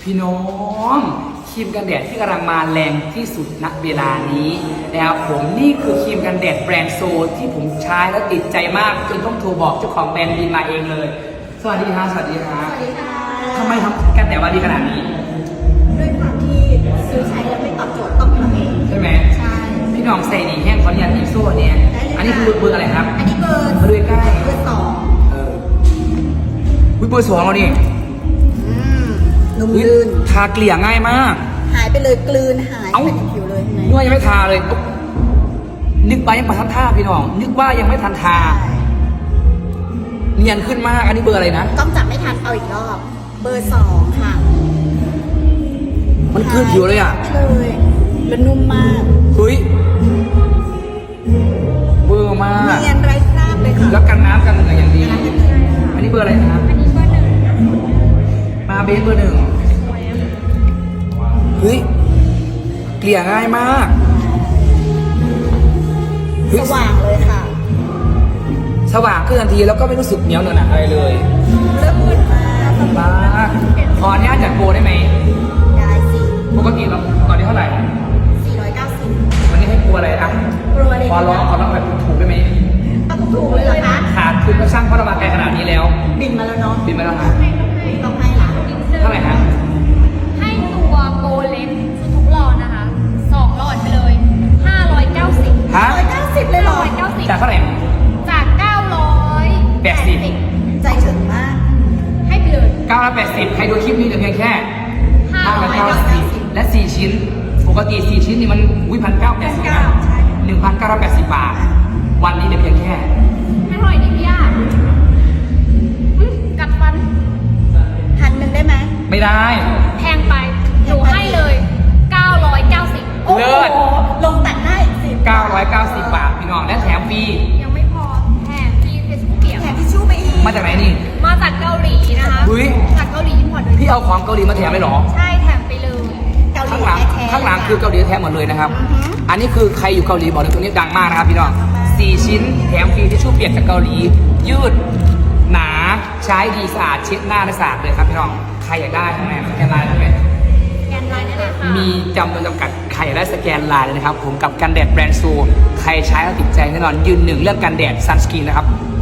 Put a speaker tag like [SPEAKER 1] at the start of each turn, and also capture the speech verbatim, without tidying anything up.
[SPEAKER 1] พี่น้องครีมกันแดดที่กำลังมาแรงที่สุดณเวลานี้นะครับผมนี่คือครีมกันแดดแบรนด์โซที่ผมใช้แล้วติดใจมากจนต้องโทรบอกเจ้าของแบรนด์บินมาเองเลยสวัสดีครับสวัสดีครับ
[SPEAKER 2] สวัสดีค่ะ
[SPEAKER 1] ทำไมทำกันแดดมาดีขนาดนี้
[SPEAKER 2] ด้วยความที่ซื้อใช้แล้วไม่ตอบโจทย์ต้องทำเอง
[SPEAKER 1] ใช่ไหม
[SPEAKER 2] ใช่
[SPEAKER 1] พี่น้องใส่ดีแห้งขออนุญาตอีโซ่เนี่ยอันนี้คือเบอร์อะไรครับ
[SPEAKER 2] อันนี้เบอร์
[SPEAKER 1] มาดูใกล้
[SPEAKER 2] เบอร์สอง
[SPEAKER 1] เออวิเบอร์สองเราดิ
[SPEAKER 2] อืมนุ่ม
[SPEAKER 1] อุ๊ย
[SPEAKER 2] ลื่น
[SPEAKER 1] ทาเกลี่ยง่ายมาก
[SPEAKER 2] หายไปเลยกลืนหาย
[SPEAKER 1] เอ้า
[SPEAKER 2] ไปในผิวเลยเห็นไหม
[SPEAKER 1] นึกว่ายังไม่ทาเลยปุ๊บนึกว่ายังไม่ทันทาพี่น้อง นึกว่ายังไม่ทันทา
[SPEAKER 2] ใช่
[SPEAKER 1] เนียนขึ้นมาก อันนี้เบอร์อะไรนะ
[SPEAKER 2] ต้องจับไม่ทันเอาอีกรอบ เบอร์สองค่ะ
[SPEAKER 1] มันคืนผิวเลยอ่ะ
[SPEAKER 2] หายไปเลยแล้วนุ่มมาก
[SPEAKER 1] เฮ้ยเบอร์มาก
[SPEAKER 2] เนียนไร้คราบเลยค่ะ
[SPEAKER 1] แล้วกันน้ำกันเหงื่ออย่างดี
[SPEAKER 2] น้ำกันเลย
[SPEAKER 1] อันนี้เบอร์อะไรนะครับ
[SPEAKER 3] อันนี้เบอร์หนึ่ง
[SPEAKER 1] มาเบสเบอร์หนึ่งเฮ้ยเกลี่ยง่ายมากเฮ้
[SPEAKER 2] ส
[SPEAKER 1] ย
[SPEAKER 2] ว่างเลยค่ะ
[SPEAKER 1] สว่างขึ้นทันทีแล้วก็ไม่รู้สึกเหนียวเหนอะหนะอะไรเลย
[SPEAKER 2] เริ่มอุ่นมาก
[SPEAKER 1] มากขออนุญาตจัดโปรได้ไหม
[SPEAKER 2] ได้สิ
[SPEAKER 1] ปกติเราตอนนี้เท่าไหร่
[SPEAKER 2] สี่ร้อยเก้าสิบ
[SPEAKER 1] วันนี้ให้โปรอะไรอ่ะ
[SPEAKER 2] โปรอะไร
[SPEAKER 1] ขอร้องขอร้องแบบถูกๆได้ไหม
[SPEAKER 2] เอาถูกๆเลยเหรอคะ
[SPEAKER 1] ขาดทุนก็ช่างเพราะเรามาไกลขนาดนี้แล้ว
[SPEAKER 2] บินมาแล้วเนาะ
[SPEAKER 1] บินมาแล้วฮะ
[SPEAKER 2] ต้องให้ละ
[SPEAKER 1] เท่าไหร่ฮะ
[SPEAKER 3] ให้ตัวโกเลนชุดทุกหลอดนะคะสองหลอดไปเลยห้าร้อยเก้าสิบ
[SPEAKER 1] ฮะ
[SPEAKER 2] ร้อยเก้าสิบเลยเหรอ
[SPEAKER 3] ร้อยเก้าสิบ
[SPEAKER 1] จากเท่าไหร่
[SPEAKER 3] จากเก้าร้อย
[SPEAKER 1] แปดสิบ
[SPEAKER 2] ใจถึงมาก
[SPEAKER 3] ให้ไปเลย
[SPEAKER 1] เก้าร้อยแปดสิบใครดูคลิปนี้เหลือเพียงแค่
[SPEAKER 3] ห้า
[SPEAKER 1] ห้า
[SPEAKER 3] ร้
[SPEAKER 1] ร้
[SPEAKER 3] อ
[SPEAKER 1] อย ย
[SPEAKER 3] เก้า
[SPEAKER 1] เก้า
[SPEAKER 3] สิ
[SPEAKER 1] สิ
[SPEAKER 3] บบ
[SPEAKER 1] และสี่ชิ้น ปกติสี่ชิ้นนี่มันอุ้ยพันเก้าแปดสิบนะหนึ่งพันเก้าร้อยแปดสิบบาท วันนี้เหลือเพียงแค่
[SPEAKER 3] ให้เท่าไหร่ดีพี่ย่าอืมกัดฟัน
[SPEAKER 2] พันหนึ่งได้ไหม
[SPEAKER 1] ไม่ได้
[SPEAKER 3] แพงไปหนูให้เลยเก้าร้อยเก้าสิบ
[SPEAKER 2] โอ้
[SPEAKER 1] เลิ
[SPEAKER 2] โห
[SPEAKER 1] ศ
[SPEAKER 2] ลงตัดได้สิบ
[SPEAKER 1] เก้าร้อยเก้าสิบบาทพี่น้องและแถมฟรี
[SPEAKER 3] ยังไม่พอแถมฟรีเฟซบุ๊กเปียก
[SPEAKER 2] แถมทิชชู่ไปอีก
[SPEAKER 1] มาจากไหนนี่
[SPEAKER 3] มาจากเกาหลีนะคะ
[SPEAKER 1] อุ๊ย
[SPEAKER 3] จากเกาหลีอินพอร์ตโดย
[SPEAKER 1] พี่เอาของเกาหลีมาแถมเลยเหรอ
[SPEAKER 3] ใช่แถมไปเลย
[SPEAKER 2] เกาหลี
[SPEAKER 1] ข้างหลัง
[SPEAKER 2] แท้ๆ
[SPEAKER 1] ข้างหลังคือเกาหลีแท้หมดเลยนะครับ
[SPEAKER 2] อือหือ
[SPEAKER 1] อันนี้คือใครอยู่เกาหลีบอกเลยตัวนี้ดังมากนะครับพี่น้องสี่ชิ้นแถมฟรีทิชชู่เปียกจากเกาหลี ยืด หนาใช้ดีสะอาดเช็ดหน้าและสะอาดเลยครับพี่น้องใครอยากได้ทำไงสแกนไลน์ใช่ไหม
[SPEAKER 3] แกนไลน์ได้เลยค่ะ
[SPEAKER 1] มีจำนวนจำกัดใครอยากได้สแกนไลน์เลยนะครับผมกับกันแดดแบรนด์ซูใครใช้แล้วติดใจแน่นอนยืนหนึ่งเรื่องกันแดดซันสกรีนนะครับ